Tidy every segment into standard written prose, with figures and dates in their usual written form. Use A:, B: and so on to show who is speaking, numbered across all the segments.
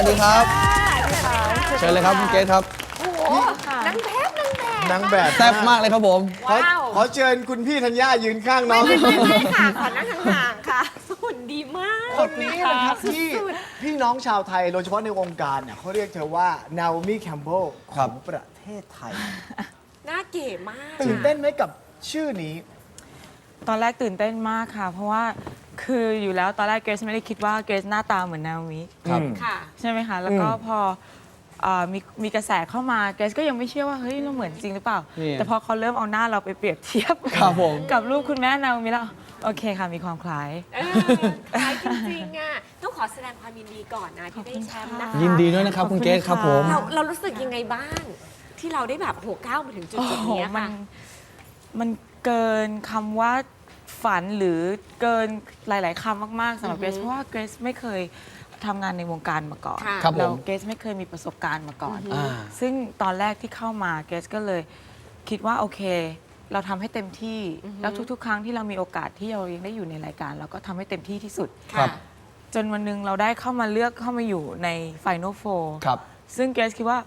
A: วัสดีครับเชิญเลยครับคุณเกศครับ
B: โอ้โหนางแบบ
C: นางแบบ
A: แซ่บมากเลยครับผม
B: ว้าว
C: ขอเชิญคุณพี่ธัญญายืนข้างน้
B: ไม่
C: อง
B: ไม่ค่ะขอนั่งห่างๆค่ะหุ่นดีมาก
C: คนนี้นะครับที่พี่น้องชาวไทยโดยเฉพาะในวงการเนี่ยเขาเรียกเธอว่านาโอมิแคมเบลข
A: ครั
C: อบ งประเทศไทย
B: น่าเก๋มาก
C: ตื่นเต้นไหมกับชื่อนี้
D: ตอนแรกตื่นเต้นมากค่ะ เพราะว่าคืออยู่แล้วตอนแรกเกรซไม่ได้คิดว่าเกรซหน้าตาเหมือนนาโอมิ
A: ครับ
B: ค่ะ
D: ใช่ไหมคะ แล้วก็พอมีกระแสเข้ามาเกรซก็ยังไม่เชื่อว่าเฮ้ยเราเหมือนจริงหรือเปล่า
A: นี่
D: แต่พอเขาเริ่มเอาหน้าเราไปเปรียบเทียบ
A: ครับผม
D: กับรูปคุณแม่นาโอมิแล้วโอเคค่ะมีความคล้าย
B: คล้ายจริงๆอ่ะต้องขอแสดงความยินดีก่อนนะที่ได้แชมป์นะคะ
A: ยินดีด้วยนะครับคุณเกศครับผม
B: เรารู้สึกยังไงบ้าง ที่เราได้แบบโหก้าวมาถึงจุด
D: โอ้
B: จุด
D: โห
B: นี้
D: มั
B: ค่ะ
D: มันเกินคำว่าฝันหรือเกินหลาย ๆคำมาก ๆสำหรับเกรซเพราะว่าเกรซไม่เคยทำงานในวงการมาก่อน
B: ค่ะ
A: ครับผม
D: แล้วเกรซไม่เคยมีประสบการณ์มาก่อน
A: อ่า
D: ซึ่งตอนแรกที่เข้ามาเกรซก็เลยคิดว่าโอเค เราทำให้เต็มที่ แล้วทุก ๆ ครั้งที่เรามีโอกาสที่เรายังได้อยู่ในรายการ เราก็ทำให้เต็มที่ที่สุด
A: ครับ
D: จนวันหนึงเราได้เข้ามาเลือกเข้ามาอยู่ใน Final Four
A: ครับ
D: ซึ่งเกรซคิดว่า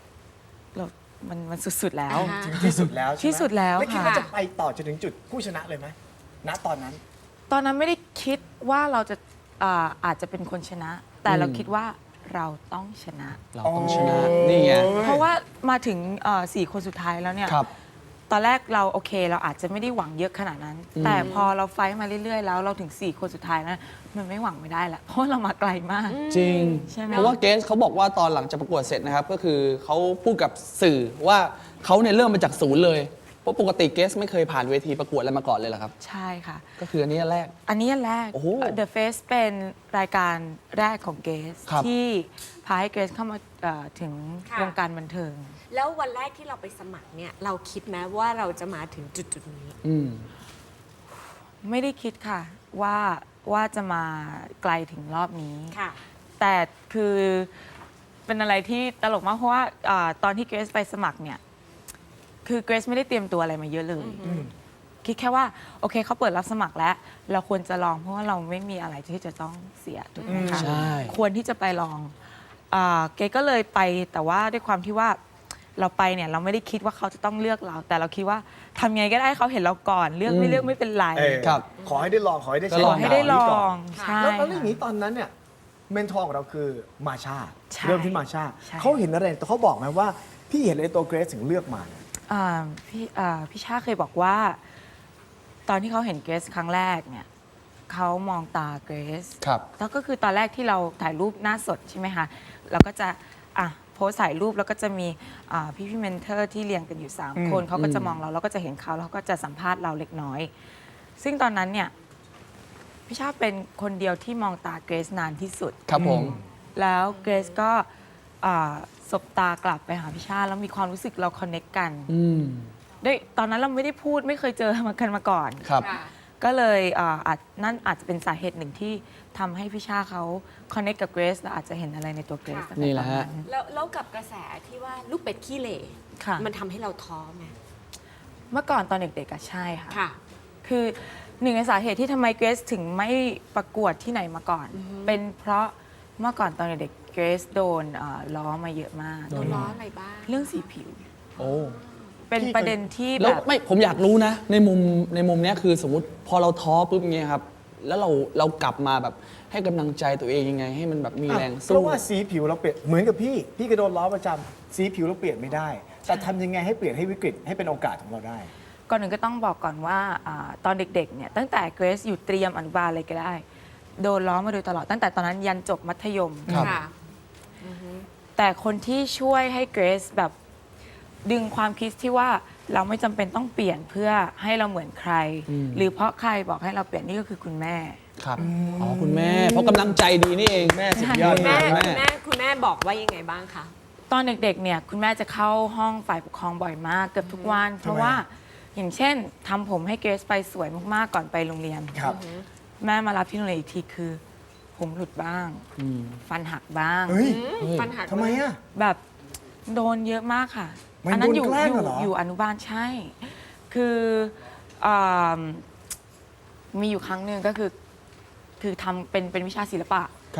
D: มันสุด ๆ แล้ว
B: อ่า
C: ถึงที่สุดแล้วใช่ไหม
D: ที่สุดแล้ว
C: ไม่คิด
D: ค่ะ
C: ว่าจะไปต่อจนถึงจุดผู้ชนะเลยไหมณตอนนั้น
D: ตอนนั้นไม่ได้คิดว่าเราจะอาจจะเป็นคนชนะ แต่เราคิดว่าเราต้องชนะ
A: เราต้องชนะนี่ไง
D: เพราะว่ามาถึง4 คนสุดท้ายแล้วเนี่ย
A: ครับ
D: ตอนแรกเราโอเคเราอาจจะไม่ได้หวังเยอะขนาดนั้น แต่พอเราไฟท์มาเรื่อยๆ แล้วเราถึง 4 คนสุดท้ายนะมันไม่หวังไม่ได้แล้วเพราะเรามาไกลมาก
A: จริง
D: ใช่ไหม
A: เพราะว่าเกสเขาบอกว่าตอนหลังจากประกวดเสร็จนะครับ ก็คือเขาพูดกับสื่อว่าเขาเนี่ยเริ่มมาจากศูนย์เลย เพราะปกติเกสไม่เคยผ่านเวทีประกวดอะไรมาก่อนเลยเหรอครับ
D: ใช่ค่ะ
A: ก็คืออันนี้อันแรก
D: อันนี้อันแรก
A: โอ้โห
D: The Face เป็นรายการแรกของเกส
A: ครับ
D: ที่พาให้เกสเข้ามาถึง
B: ค่ะ
D: วงการบันเทิง
B: แล้ววันแรกที่เราไปสมัครเนี่ยเราคิดไหมว่าเราจะมาถึงจุดจุดๆนี้
A: อืม
D: ไม่ได้คิดค่ะว่าจะมาไกลถึงรอบนี้
B: ค่ะ
D: แต่คือเป็นอะไรที่ตลกมากเพราะว่าตอนที่เกรซไปสมัครเนี่ยคือเกรซไม่ได้เตรียมตัวอะไรมาเยอะเลย คิดแค่ว่าโอเคเขาเปิดรับสมัครแล้ว เราควรจะลองเพราะว่าเราไม่มีอะไรที่จะต้องเสียถูกไหมคะ
A: ใช่
D: ควรที่จะไปลองเกรซก็เลยไปแต่ว่าด้วยความที่ว่าเราไปเนี่ยเราไม่ได้คิดว่าเขาจะต้องเลือกเรา แต่เราคิดว่าทำยังไงก็ได้ให้เขาเห็นเราก่อนเลือกไม่เลือกไม่เป็นไร
C: เออ
A: ครับ
C: ขอให้ได้ลองขอให้ได้
A: ก็
C: ใช้
A: ล
D: ข
A: อ
D: อให้ได้ล
C: นี้
D: อ
C: ก่น
D: งใช่
C: แล้วอย่างนี้ตอนนั้นเนี่ยเมนทอร์ของเราคือมาชา
D: ใช่
C: เริ่มที่มาชา
D: ใช่
C: เขาเห็นอะไรแต่เขาบอกไหมว่าพี่เห็นอะไรตัวเกรซถึงเลือกมาเนี่ย
D: พี่ชาเคยบอกว่า ตอนที่เขาเห็นเกรซครั้งแรกเนี่ยเขามองตาเกรซ
A: ครับ
D: แล้วก็คือตอนแรกที่เราถ่ายรูปหน้าสดใช่ไหมคะเราก็จะโพสต์ถ่ายรูปแล้วก็จะมีพี่เมนเทอร์ที่เรียงกันอยู่ 3 คนเขาก็จะมองเราแล้วก็จะเห็นเขาแล้วเขาก็จะสัมภาษณ์เราเล็กน้อย ซึ่งตอนนั้นเนี่ยพี่ชาเป็นคนเดียวที่มองตาเกรซนานที่สุด
A: ครับผม
D: แล้วเกรซก็สบตากลับไปหาพี่ชาแล้วมีความรู้สึกเราคอนเน็กกัน
A: อืม
D: ด้วยตอนนั้นเราไม่ได้พูดไม่เคยเจอมาก่อน
A: ครับ
B: ค่ะ
D: ก็เลยนั่นอาจจะเป็นสาเหตุหนึ่งที่ทำให้พี่ชาเขาคอนเน็กกับเกรซและอาจจะเห็นอะไรในตัวเกรซ
B: ค่ะ
D: ตั้งแต่
A: นี่แห
D: ต
A: ละ
D: อน
A: ฮะ
D: นั้น
B: แล้วกับกระแสที่ว่าลูกเป็ดขี้เหร่
D: ค่ะ
B: มันทำให้เราท้อไหม
D: เมื่อก่อนตอนเด็กๆอะใช่ค่ะ
B: ค่ะ
D: คือหนึ่งในสาเหตุที่ทำไมเกรซถึงไม่ประกวดที่ไหนมาก่อน เป็นเพราะเมื่อก่อนตอนเด็กๆเกรซโดนล้อมาเยอะมาก
B: โดนล้ออะไรบ้าง
D: เรื่องสีผิว
A: โอ้
D: เป็นประเด็นที่
A: แล้
D: แบ
A: ว
D: บ
A: ไม่ผมอยากรู้นะ ในมุมเนี้ยคือสมมติพอเราท้อปุ๊บเงี้ยครับ แล้วเรากลับมาแบบให้กำลังใจตัวเองยังไง ให้มันแบบมีแรง
C: เพ
A: สู้
C: ราะว่าสีผิวเราเปลี่ยนเหมือนกับพี่ก็โดนล้อประจำสีผิวเราเปลี่ยนไม่ได้ แต่ทำยังไงให้เปลี่ยนให้วิกฤตให้เป็นโอกาสของเราได้
D: ก่อนหนึ่งก็ต้องบอกก่อนว่าตอนเด็กๆเนี่ยตั้งแต่เกรซอยู่เตรียมอนุบาลอะไรก็ได้ โดนล้อมาโดยตลอดตั้งแต่ตอนนั้นยันจบมัธยม
A: ครับ
B: ค่ะ
D: แต่คนที่ช่วยให้เกรซแบบดึงความคิดที่ว่าเราไม่จำเป็นต้องเปลี่ยนเพื่อให้เราเหมือนใคร หรือเพราะใครบอกให้เราเปลี่ยนนี่ก็คือคุณแม่
A: ครับ อ๋อคุณแม่ เพราะกำลังใจดีนี่เองแม่สุดยอด
B: คุณแม่
A: มาก
B: คุณแม่บอกว่ายังไงบ้างคะ
D: ตอนเด็กๆเนี่ยคุณแม่จะเข้าห้องฝ่ายปกครองบ่อยมากเกือบทุกวัน เพราะว่าอย่างเช่นทำผมให้เกรซไปสวยมากๆก่อนไปโรงเรียน
C: ครับ
D: แม่มารับที่โรงเรียนอีกทีคือ ผมหลุดบ้าง ฟันหักบ้าง
C: เฮ้ย
B: ฟันหัก
C: ทำไมอ่ะ
D: แบบโดนเยอะมากค่ะ
C: มัน
D: นั้น
C: โดนแกล้งเหรอ
D: อยู่อนุบาลใช่ คืออ่ามีอยู่ครั้งหนึ่งก็คือทำเป็นวิชาศิลปะ
A: ครับ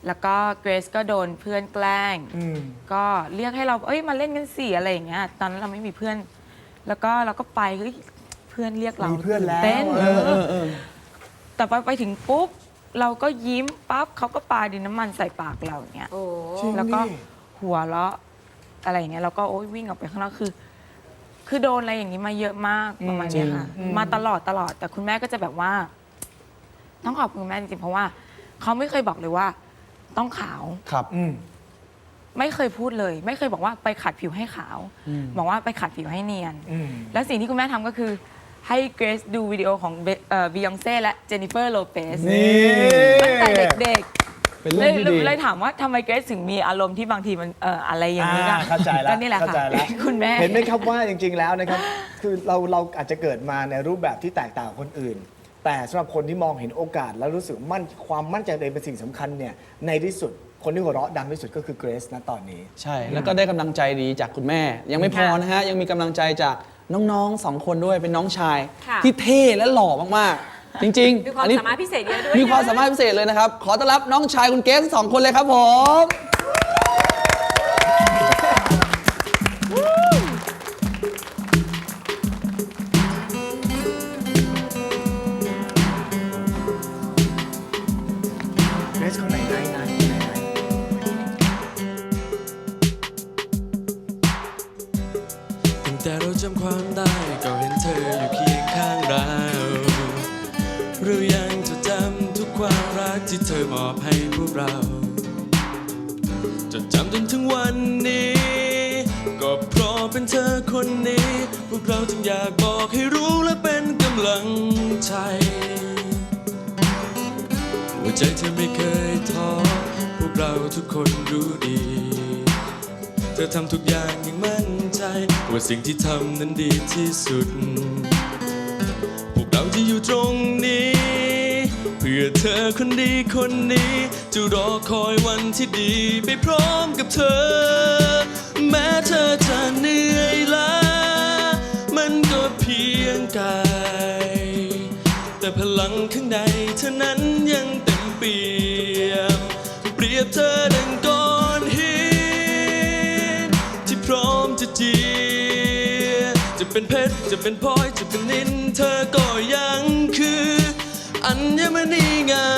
D: แล้วก็เกรซก็โดนเพื่อนแกล้ง
C: อืม
D: ก็เรียกให้เรามาเล่นกันสิอะไรอย่างเงี้ยตอนนั้นเราไม่มีเพื่อน แล้วก็เราก็ไปเฮ้ยเพื่อนเรียกเรา
C: มีเพื่อนแล้ว
D: เต้น
C: เออ
D: แต่ไปถึงปุ๊บเราก็ยิ้มปั๊บเขาก็ปาดินน้ำมันใส่ปากเราอย่างเงี้ย
B: โอ้
C: จริง
D: แล้วก็
C: ดิ
D: หัวเราะอะไรอย่างเงี้ยเราก็โอ๊ยวิ่งออกไปข้างนอกคือโดนอะไรอย่างนี้มาเยอะมากประมาณเนี้ยค่ะมาตลอดแต่คุณแม่ก็จะแบบว่า ต้องขอบคุณคุณแม่จริงๆเพราะว่าเขาไม่เคยบอกเลยว่า ต้องขาว
A: ครับ
C: อืม
D: ไม่เคยพูดเลย ไม่เคยบอกว่าไปขัดผิวให้ขาว บอกว่าไปขัดผิวให้เนียน
C: อืม
D: แล้วสิ่งที่คุณแม่ทำก็คือ ให้เกรซดูวิดีโอของบียองเซ่และเจนนิเฟอร์โลเปส
C: นี่
D: ตั้งแต่เด็ก
A: เป็น
D: ๆ
A: เรื่องที่ดี
D: เลยถามว่าทำไมเกรซถึงมีอารมณ์ที่บางทีมันอะไรอย่างนี้
C: เข้าใจแล้ว
D: ก็นี่แหละ
C: เข้าใจ
D: ค่ะ
C: แล้ว
D: คุณแม่
C: เห็นไหมครับว่าจริง ๆ แล้วนะครับ คือเราอาจจะเกิดมาในรูปแบบที่แตกต่างกับคนอื่น แต่สำหรับคนที่มองเห็นโอกาส แล้วรู้สึกความมั่นใจตัวเองเป็นสิ่งสำคัญเนี่ยในที่สุดคนที่หัวเราะดังที่สุดก็คือเกรซนะตอนนี้
A: ใช่ แล้วก็ได้กำลังใจดีจากคุณแม่ ยังไม่พอนะฮะ ยังมีกำลังใจจากน้องๆ 2 คนด้วย เป็นน้องชาย
B: ค่ะ
A: ที่เท่และหล่อมากๆ จริง
B: มี
A: ๆ
B: ความ
A: อันนี้
B: สามารถพิเศษเยอะด้วย
A: มีความ
B: นะ
A: สามารถพิเศษเลยนะครับ ขอต้อนรับน้องชายคุณเกสทั้งสองคนเลยครับผม
C: เกรซคนไหนไหน
E: ตั้งแต่เราจำความได้ก็เห็นเธออยู่เคียงข้างเราเรายังจดจำทุกความรักที่เธอมอบให้พวกเราจดจำจนถึงวันนี้ ก็เพราะเป็นเธอคนนี้ พวกเราจึงอยากบอกให้รู้และเป็นกำลังใจหัวใจเธอไม่เคยท้อพวกเราทุกคนรู้ดี เธอทำทุกอย่างอย่างมั่นใจว่าสิ่งที่ทำนั้นดีที่สุด พวกเราจะอยู่ตรงนี้ เพื่อเธอคนดีคนนี้ จะรอคอยวันที่ดีไปพร้อมกับเธอ แม้เธอจะเหนื่อยล้ามันก็เพียงกายแต่พลังข้างในเธอนั้นยังเต็มเปี่ยม เปรียบเธอดังก้อนหินที่พร้อมจะเจียจะเป็นเพชรจะเป็นพลอยจะเป็นนินเธอก็ยังคืออัญมณีงาม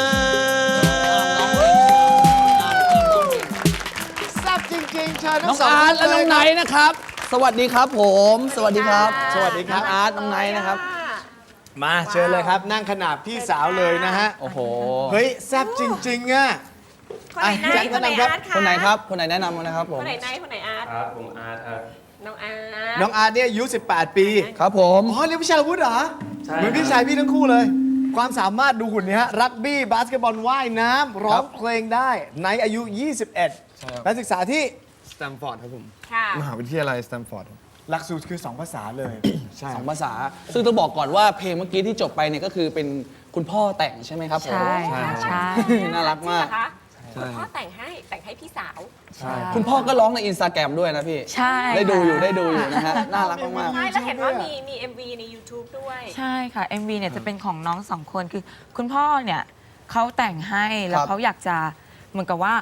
C: แซ่บจริงๆเชิญ
A: น้
C: ทั้
A: อง
C: งสอง
A: อาร์ตและ
C: ท่
A: น้องไน
C: เลย
A: ท์นะครับ สวัสดีครับผม สวัสดีครับ
C: สวัสดีครับ
A: น้องอาร์ตน้องไนท์นะครับ
C: มาเชิญเลยครับ นั่งขนาบพี่สาวเลยนะฮะ
A: โอ้โห
C: เฮ้ยแซ่บจริง ๆอ่ะ
B: คนไหน
C: อ่ะ
B: นายคนไหน
C: แจ็ค
B: อาร์ตคะ
A: คนไหนครับ คนไหนแนะนำมานะครับผม
B: คนไหนนายคนไหนอาร์ต
E: ครับผมอาร์ตครับ
B: น้องอาร์ต
C: น้องอาร์ตเนี่ยอายุ 18 ปี
A: ครับผม
C: อ๋อเรียนวิชาวุฒิเหรอ
E: ใช่
C: เหมือนพี่ชายพี่ทั้งคู่เลย ความสามารถดูหุ่นนี้ฮะ รักบี้บาสเกตบอลว่ายน้ำร้องเพลงได้ในอายุ 21และศึกษาที่
F: สแตมฟอร์ดครับผม
B: ค่ะ
F: มหาวิทยาลัยสแตมฟอร์ด
C: หลักสูตรคือ 2 ภาษาเลย ใช่
A: สองภาษา ซึ่งต้องบอกก่อนว่าเพลงเมื่อกี้ที่จบไปเนี่ยก็คือเป็นคุณพ่อแต่งใช่ไหมครับผม
D: ใช่ค่ะใช่
A: น่ารักมาก
B: จงเหอคะคุณพ่อแต่งให้พี่สาว
A: คุณพ่อก็ร้องในอินสตาแกรมด้วยนะพี่
D: ใช่
A: ได้ดูอยู่
D: ค่ะ
A: ได้ดูอยู่นะฮะ น่ารักมาก
B: ใช่แล้วเห็นว่ามี MV ใน YouTube ด้วย
D: ใช่ค่ะ MV เนี่ยจะเป็นของน้องสองคนคือคุณพ่อเนี่ยเขาแต่งให้แล้วเขาอยากจะเหมือนกับว่า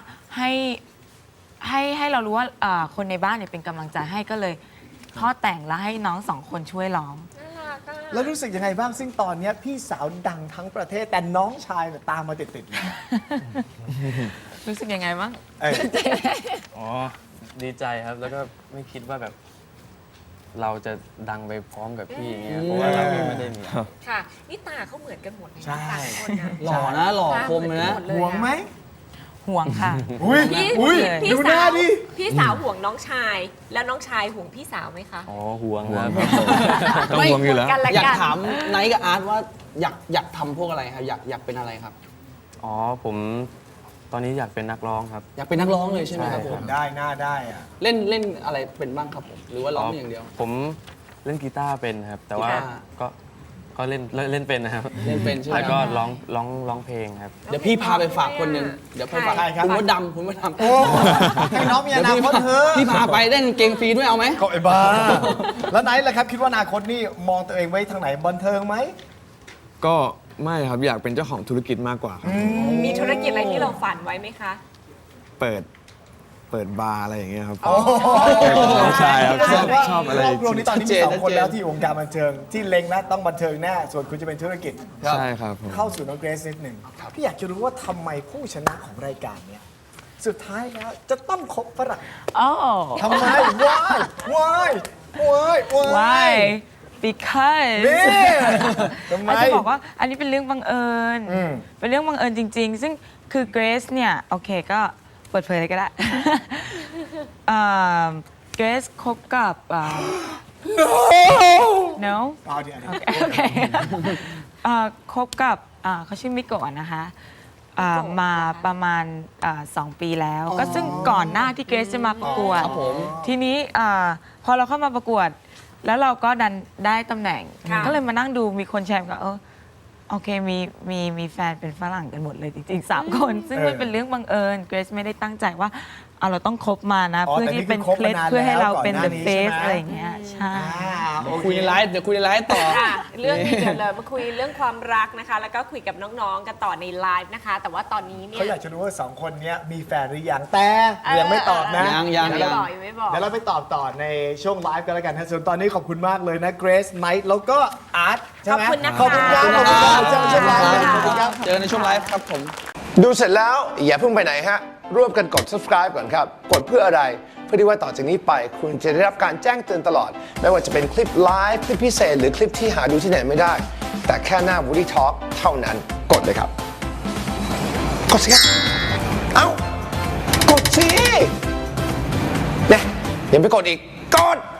D: ให้เรารู้ว่าคนในบ้านเนี่ยเป็นกำลังใจให้ก็เลยพ่อแต่งแล้วให้น้องสองคนช่วยร้อง
B: น่ารักอะ
C: แล้วรู้สึกยังไงบ้างซึ่งตอนเนี้ยพี่สาวดังทั้งประเทศ แต่น้องชายเนี่ยตามมาติดๆเลย
D: รู้สึกยังไงบ้าง
C: เอ้ย
E: อ๋อ ดีใจครับ แล้วก็ไม่คิดว่าแบบ เราจะดังไปพร้อมกับพี่อย่างเงี้ย เพราะว่าเรายังไม่ได้มี
B: ค่ะ นี่ตาเขาเหมือนกันหมดเลย
C: ใช่
B: นะต่างคนนะ
A: ๆ หล่อนะ หล่อคมเลยนะ
B: ตาเหมือนกันหมดเลย
C: ห่วงไหม
D: ห่วงค่ะ
C: อุ้ย
B: พี่
C: อุ้ย
B: พี่
C: ดูหน้า
B: สาว
C: ดิ
B: พี่สาวห่วงน้องชาย แล้วน้องชายห่วงพี่สาวไหมคะ
E: อ๋อ ห่วงครับ
F: ต้องห่วงอยู่แล้ว
B: กันละ
A: อยาก
B: กัน
A: ถามไนท์กับอาร์ตว่าอยากทำพวกอะไรครับ อยากเป็นอะไรครับ
E: อ๋อ ผมตอนนี้อยากเป็นนักร้องครับ
A: อยากเป็นนักร้องเลยใช่ไหมครับผม
C: ได้หน้าได้อะ
A: เล่นอะไรเป็นบ้างครับผม หรือว่าร้องอย่างเดียว
E: ผมเล่นกีตาร์เป็นครับ แต่ว่า
A: กีตาร์
E: ก็เล่นเป็นนะครับ
A: เล่นเป็นใช่ไหม
E: แล้วก็
A: ครับ
E: ร้องเพลงครับ
A: เดี๋ยวพี่พาไปฝากคนหนึ่งเดี๋ยวไปฝาก
C: ใครครับ
A: คุณมดดำคุณมดดำ
C: โอ้ให้น้องมีอ
A: เดี๋ยว
C: นา
A: พี่
C: คตเถอะ
A: พี่พาไปเล่นเกงฟรีด้วยเอาไหม
C: ก็ไอ้บ้า แล้วไหนล่ะครับคิดว่าอนาคตนี่มองตัวเองไว้ทางไหนบันเทิงไหม
F: ก็ไม่ครับ อยากเป็นเจ้าของธุรกิจมากกว่าครับ
B: มีธุรกิจอะไรที่เราฝันไว้ไหมคะ
F: เปิดบาร์อะไรอย่างเงี้ยครับ
C: ใช่ครับ
F: ชอบอะไร
C: ครอบครัวนี้ตอนนี้
A: ชัดเจ
C: มี
A: น
C: สองคน
A: ชัดเจน
C: แล้วที่อยู่วงการบันเทิงที่เล็งนะต้องบันเทิงแน่ส่วนคุณจะเป็นธุรกิจ
F: ใช่ครับผม
C: เข้าสู่น้องเกรซนิดหนึ่งพี่อยากจะรู้ว่าทำไมผู้ชนะของรายการเนี้ยสุดท้ายแล้วจะต้องคบฝรั่ง
D: oh
C: ทำไม why
D: why because
C: นี่ทำไม
D: อาจจะบอกว่าอันนี้เป็นเรื่องบังเอิญ
C: อืม
D: เป็นเรื่องบังเอิญจริง ๆ ซึ่งคือเกรซเนี่ย โอเคก็เปิดเผยเลยก็ได้ เกรซคบกับno
C: เอาเดี๋ยว
D: โอเคคบกับเขาชื่อมิโกะนะคะมาประมาณ2 ปีแล้ว ก็ซึ่งก่อนหน้าที่เกรซจะมาประกวด
A: ครับผม
D: ทีนี้พอเราเข้ามาประกวด แล้วเราก็ดันได้ตำแหน่ง
B: ค่ะ
D: ก็เลยมานั่งดูมีคนแชร์ก็โอเคมีแฟนเป็นฝรั่งกันหมดเลยจริงๆ3 คน ซึ่งมันเป็นเรื่องบังเอิญเกรซไม่ได้ตั้งใจว่าเราต้องคบมานะ
C: อ๋อ
D: เพื่อ
C: แต่นี่
D: ที่เป็น
C: คือคบ
D: เคล็ด
C: มานาน
D: เพื่อให้เราเป็น
C: แล้ว
D: the
C: ก่อนหน้านี้
D: face
C: ใช่ไหม
D: อะไรอย่างเงี้ยใช่
C: โอเค
A: คุยในไลฟ์เดี๋ยวคุยในไลฟ์ต่อ
B: ค่ะเรื่องนี้เดี๋ยวเลยมาคุยเรื่องความรักนะคะ แล้วก็คุยกับน้องๆกันต่อในไลฟ์นะคะ แต่ว่าตอนนี้เนี่ย
C: เขาอยากจะรู้ว่าสองคนเนี้ยมีแฟนหรือยังแต่ยังไม่ตอบนะ
A: ยัง
B: ไม่บอกยังไม่บอก
C: เดี๋ยวเราไปตอบต่อในช่วงไลฟ์กันแล้วกันฮะส่วนตอนนี้ขอบคุณมากเลยนะเกรซไนท์แล้วก็อาร์ตใช่ไหม
B: ขอบคุณนะคะ
C: ขอบคุณครับขอบคุณครับเจอกันช่วงไลฟ์นะขอบคุณครับ
A: เจอในช่วงไลฟ์ครับผม
G: ดูเสร็จแล้วอย่าเพิ่งไปไหนฮะ ร่วมกันกด subscribe ก่อนครับ กดเพื่ออะไร เพื่อที่ว่าต่อจากนี้ไป คุณจะได้รับการแจ้งเตือนตลอด ไม่ว่าจะเป็นคลิปไลฟ์คลิปพิเศษ หรือคลิปที่หาดูที่ไหนไม่ได้ แต่แค่หน้า Woody Talk เท่านั้นกดเลยครับ กดสิครับ เอ้า กดสิเนี่ยยังไม่กดอีก กด